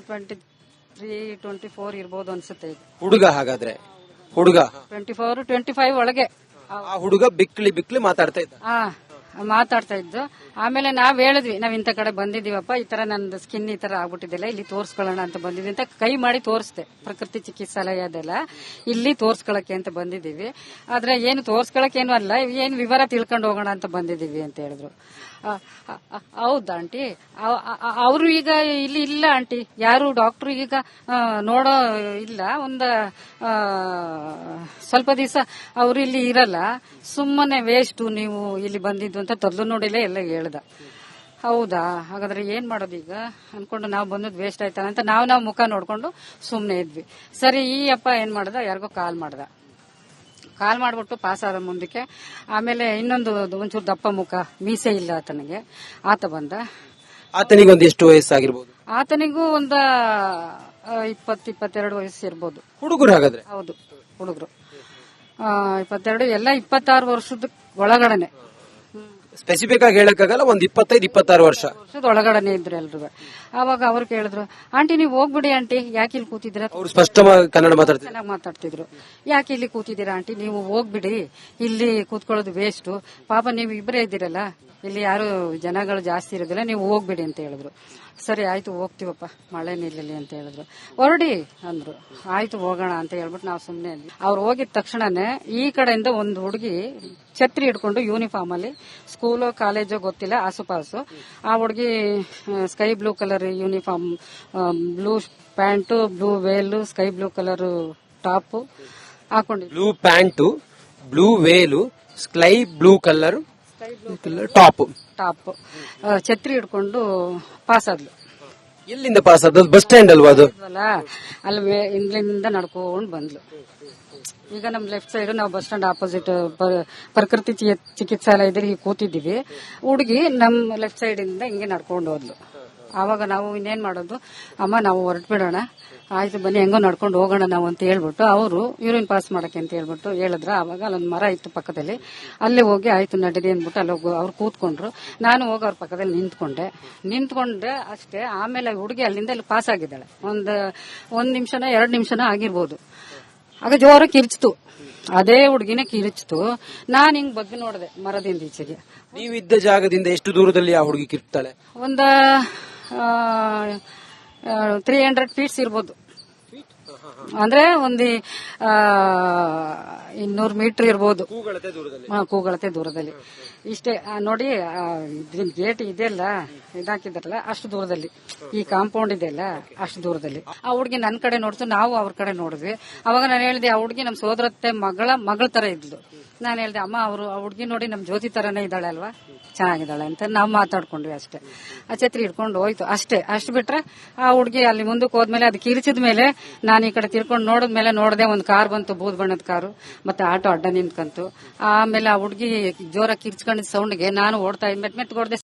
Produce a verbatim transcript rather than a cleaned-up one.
Twenty three twenty four ಇರ್ಬೋದು ಅನ್ಸುತ್ತೆ ಈಗ. ಹುಡುಗ ಹಾಗಾದ್ರೆ ಹುಡುಗ ಟ್ವೆಂಟಿ ಫೋರ್ ಟ್ವೆಂಟಿ ಫೈವ್ ಒಳಗೆ ಆ ಹುಡುಗ ಬಿಕ್ಲಿ ಬಿಕ್ಲಿ ಮಾತಾಡ್ತಾ ಇದ್ದ. ಆ ಮಾತಾಡ್ತಾ ಇದ್ದು. ಆಮೇಲೆ ನಾವ್ ಹೇಳಿದ್ವಿ, ನಾವ್ ಇಂಥ ಕಡೆ ಬಂದಿದೀವಪ್ಪ, ಈ ತರ ನಂದು ಸ್ಕಿನ್ ಈ ತರ ಆಗ್ಬಿಟ್ಟಿದ್ದಿಲ್ಲ, ಇಲ್ಲಿ ತೋರ್ಸ್ಕೊಳ್ಳೋಣ ಅಂತ ಬಂದಿದ್ವಿ ಅಂತ ಕೈ ಮಾಡಿ ತೋರಿಸ್ದೆ. ಪ್ರಕೃತಿ ಚಿಕಿತ್ಸಾಲಯ ಅದೆಲ್ಲ ಇಲ್ಲಿ ತೋರ್ಸ್ಕೊಳಕ್ಕೆ ಅಂತ ಬಂದಿದೀವಿ. ಆದ್ರೆ ಏನು ತೋರ್ಸ್ಕೊಳಕ್ ಏನು ಅಲ್ಲ, ಏನ್ ವಿವರ ತಿಳ್ಕೊಂಡು ಹೋಗೋಣ ಅಂತ ಬಂದಿದೀವಿ ಅಂತ ಹೇಳಿದ್ರು. ಹೌದಾ ಆಂಟಿ, ಅವರು ಈಗ ಇಲ್ಲಿ ಇಲ್ಲ ಆಂಟಿ, ಯಾರು ಡಾಕ್ಟರ್ ಈಗ ನೋಡೋ ಇಲ್ಲ, ಒಂದ ಸ್ವಲ್ಪ ದಿವಸ ಅವರು ಇಲ್ಲಿ ಇರಲ್ಲ, ಸುಮ್ಮನೆ ವೇಸ್ಟ್ ನೀವು ಇಲ್ಲಿ ಬಂದಿದ್ದು ಅಂತ ತೊದ್ಲು ನೋಡಿಲೇ ಎಲ್ಲ ಹೇಳ್ದ. ಹೌದಾ, ಹಾಗಾದ್ರೆ ಏನ್ ಮಾಡೋದು ಈಗ ಅನ್ಕೊಂಡು ನಾವು ಬಂದದ್ದು ವೇಸ್ಟ್ ಆಯ್ತಾನ ಅಂತ ನಾವು ನಾವು ಮುಖ ನೋಡ್ಕೊಂಡು ಸುಮ್ನೆ ಇದ್ವಿ. ಸರಿ, ಈ ಅಪ್ಪ ಏನ್ ಮಾಡ್ದ, ಯಾರಿಗೋ ಕಾಲ್ ಮಾಡ್ದ. ಕಾಲ್ ಮಾಡ್ಬಿಟ್ಟು ಪಾಸ್ ಆದ ಮುಂದಕ್ಕೆ. ಆಮೇಲೆ ಇನ್ನೊಂದು ಒಂಚೂರು ದಪ್ಪ ಮುಖ, ಮೀಸೆ ಇಲ್ಲ ಆತನಿಗೆ, ಆತ ಬಂದ. ಆತನಿಗೆ ಒಂದು ಎಷ್ಟು ವಯಸ್ಸಾಗಿರ್ಬೋದು? ಆತನಿಗೂ ಒಂದ ಇಪ್ಪತ್ ಇಪ್ಪತ್ತೆರಡು ವಯಸ್ಸು ಇರ್ಬೋದು. ಹುಡುಗರು ಹಾಗಾದ್ರೆ? ಹೌದು, ಹುಡುಗರು ಇಪ್ಪತ್ತೆರಡು, ಎಲ್ಲ ಇಪ್ಪತ್ತಾರು ವರ್ಷದ ಒಳಗಡೆನೆ. ಸ್ಪೆಸಿಫಿಕ್ ಆಗಿ ಹೇಳಕ್ಕಾಗಲ್ಲ, ಒಂದ್ ಇಪ್ಪತ್ತೈದು ಇಪ್ಪತ್ತಾರು ವರ್ಷ ವರ್ಷದ ಒಳಗಡೆನೆ ಇದ್ರು ಎಲ್ರು. ಅವಾಗ ಅವ್ರು ಕೇಳಿದ್ರು, ಆಂಟಿ ನೀವು ಹೋಗ್ಬಿಡಿ ಆಂಟಿ, ಯಾಕೆ ಇಲ್ಲಿ ಕೂತಿದ್ದೀರ? ಅವ್ರು ಸ್ಪಷ್ಟವಾಗಿ ಕನ್ನಡ ಮಾತಾಡ್ತಿದ್ರು, ಚೆನ್ನಾಗಿ ಮಾತಾಡ್ತಿದ್ರು. ಯಾಕೆ ಇಲ್ಲಿ ಕೂತಿದ್ದೀರಾ ಆಂಟಿ, ನೀವು ಹೋಗ್ಬಿಡಿ, ಇಲ್ಲಿ ಕೂತ್ಕೊಳ್ಳೋದು ವೇಸ್ಟ್, ಪಾಪ ನೀವು ಇಬ್ಬರೇ ಇದ್ದೀರಲ್ಲ, ಇಲ್ಲಿ ಯಾರು ಜನಗಳು ಜಾಸ್ತಿ ಇರೋದಿಲ್ಲ, ನೀವು ಹೋಗ್ಬಿಡಿ ಅಂತ ಹೇಳಿದ್ರು. ಸರಿ ಆಯ್ತು ಹೋಗ್ತೀವಪ್ಪ, ಮಳೆ ನಿಲ್ಲಲಿ ಅಂತ ಹೇಳಿದ್ರು. ಹೊರಡಿ ಅಂದ್ರು. ಆಯ್ತು ಹೋಗೋಣ ಅಂತ ಹೇಳ್ಬಿಟ್ಟು ನಾವು ಸುಮ್ನೆ ಇದ್ವಿ. ಅವ್ರು ಹೋಗಿದ ತಕ್ಷಣನೇ ಈ ಕಡೆಯಿಂದ ಒಂದು ಹುಡುಗಿ ಛತ್ರಿ ಹಿಡ್ಕೊಂಡು ಯೂನಿಫಾರ್ಮ್ ಅಲ್ಲಿ, ಸ್ಕೂಲೋ ಕಾಲೇಜೋ ಗೊತ್ತಿಲ್ಲ, ಆಸುಪಾಸು, ಆ ಹುಡುಗಿ sky blue colour uniform, blue pant, blue veil, sky blue colour top ಹಾಕೊಂಡಿದ್ರು. Blue pant, blue veil, sky blue colour top top ಛತ್ರಿ ಹಿಡ್ಕೊಂಡು ಪಾಸ್ ಆದ್ಲು. ಎಲ್ಲಿಂದ ಪಾಸ್ ಆದ? ಬಸ್ ಸ್ಟ್ಯಾಂಡ್ ಅಲ್ವಾ ಅದು? ಅಲ್ಲಿ ಇಂಗ್ಲೆಂಡ್ ನಡ್ಕೊಂಡು ಬಂದ್ಲು. ಈಗ ನಮ್ ಲೆಫ್ಟ್ ಸೈಡ್ ನಾವು ಬಸ್ ಸ್ಟ್ಯಾಂಡ್ ಆಪೋಸಿಟ್ ಪ್ರಕೃತಿ ಚಿಕಿತ್ಸಾಲಯದಲ್ಲಿ ಹೀಗೆ ಕೂತಿದ್ದೀವಿ. ಹುಡುಗಿ ನಮ್ ಲೆಫ್ಟ್ ಸೈಡ್ ಇಂದ ಹಿಂಗೆ ನಡ್ಕೊಂಡು ಹೋದ್ಲು. ಆವಾಗ ನಾವು ಇನ್ನೇನ್ ಮಾಡೋದು, ಅಮ್ಮ ನಾವು ಹೊರಟು ಬಿಡೋಣ, ಆಯ್ತು ಬನ್ನಿ ಹೆಂಗೋ ನಡ್ಕೊಂಡು ಹೋಗೋಣ ನಾವು ಅಂತ ಹೇಳ್ಬಿಟ್ಟು ಅವರು ಯೂರಿನ್ ಪಾಸ್ ಮಾಡಕ್ಕೆ ಅಂತ ಹೇಳ್ಬಿಟ್ಟು ಹೇಳಿದ್ರ. ಆವಾಗ ಅಲ್ಲೊಂದು ಮರ ಇತ್ತು ಪಕ್ಕದಲ್ಲಿ, ಅಲ್ಲೇ ಹೋಗಿ ಆಯ್ತು ನಡೀರಿ ಅಂದ್ಬಿಟ್ಟು ಅಲ್ಲಿ ಹೋಗಿ ಅವ್ರು ಕೂತ್ಕೊಂಡ್ರು. ನಾನು ಹೋಗಿ ಅವ್ರ ಪಕ್ಕದಲ್ಲಿ ನಿಂತ್ಕೊಂಡೆ ನಿಂತ್ಕೊಂಡೆ ಅಷ್ಟೇ. ಆಮೇಲೆ ಹುಡುಗಿ ಅಲ್ಲಿಂದ ಅಲ್ಲಿ ಪಾಸ್ ಆಗಿದ್ದಾಳೆ. ಒಂದ್ ಒಂದ್ ನಿಮಿಷನೋ ಎರಡ್ ನಿಮಿಷನೋ ಆಗಿರ್ಬೋದು. ಆಗ ಜೋರ ಕಿರ್ಚ್ತು, ಅದೇ ಹುಡುಗಿನ ಕಿರಿಚ್ತು. ನಾನ್ ಹಿಂಗ್ ಬಗ್ಗೆ ನೋಡಿದೆ ಮರದಿಂದ ಈಚೆಗೆ. ನೀವಿದ್ದ ಜಾಗದಿಂದ ಎಷ್ಟು ದೂರದಲ್ಲಿ ಆ ಹುಡುಗಿ ಕಿರ್ತಾಳೆ? ಒಂದ ತ್ರೀ ಹಂಡ್ರೆಡ್ ಫೀಟ್ಸ್ ಇರ್ಬೋದು, ಅಂದ್ರೆ ಒಂದು ಇನ್ನೂರು ಮೀಟರ್ ಇರ್ಬೋದು, ಕೂಗಳತೆ ದೂರದಲ್ಲಿ. ಇಷ್ಟೇ ನೋಡಿ, ಗೇಟ್ ಇದೆಯಲ್ಲ ಇದಾಕಿದಾರಲ್ಲ ಅಷ್ಟು ದೂರದಲ್ಲಿ, ಈ ಕಾಂಪೌಂಡ್ ಇದೆಯಲ್ಲ ಅಷ್ಟು ದೂರದಲ್ಲಿ. ಆ ಹುಡುಗಿ ನನ್ ಕಡೆ ನೋಡ್ತು, ನಾವು ಅವ್ರ ಕಡೆ ನೋಡಿದ್ವಿ. ಅವಾಗ ನಾನು ಹೇಳಿದೆ, ಆ ಹುಡುಗಿ ನಮ್ ಸೋದರತ್ತೆ ಮಗಳ ಮಗಳ ತರ ಇದ್ಲು. ನಾನು ಹೇಳಿದೆ, ಅಮ್ಮ ಅವರು ಆ ಹುಡುಗಿ ನೋಡಿ ನಮ್ ಜ್ಯೋತಿ ತರನೇ ಇದ್ದಾಳೆ ಅಲ್ವಾ, ಚೆನ್ನಾಗಿದ್ದಾಳೆ ಅಂತ ನಾವು ಮಾತಾಡ್ಕೊಂಡ್ವಿ ಅಷ್ಟೇ. ಆ ಛತ್ರಿ ಹಿಡ್ಕೊಂಡು ಹೋಯ್ತು ಅಷ್ಟೇ. ಅಷ್ಟು ಬಿಟ್ರೆ ಆ ಹುಡುಗಿ ಅಲ್ಲಿ ಮುಂದಕ್ಕೆ ಹೋದ್ಮೇಲೆ ಅದು ಕಿರಿಚಿದ ಮೇಲೆ ನಾನು ಈ ಕಡೆ ತಿರ್ಕೊಂಡು ನೋಡಿದ್ಮೇಲೆ ನೋಡದೆ ಒಂದು ಕಾರ್ ಬಂತು, ಬೂದ್ ಬಣ್ಣದ ಕಾರು, ಮತ್ತೆ ಆಟೋ ಅಡ್ಡ ನಿಂತ್ಕಂತು. ಆಮೇಲೆ ಆ ಹುಡುಗಿ ಜೋರ ಕಿರ್ಚ್ಕೊಂಡಿದ್ ಸೌಂಡ್ಗೆ ನಾನು ಓಡ್ತಾ ಮೆತ್ ಮೆತ್ ಹೊಡೆದೆ.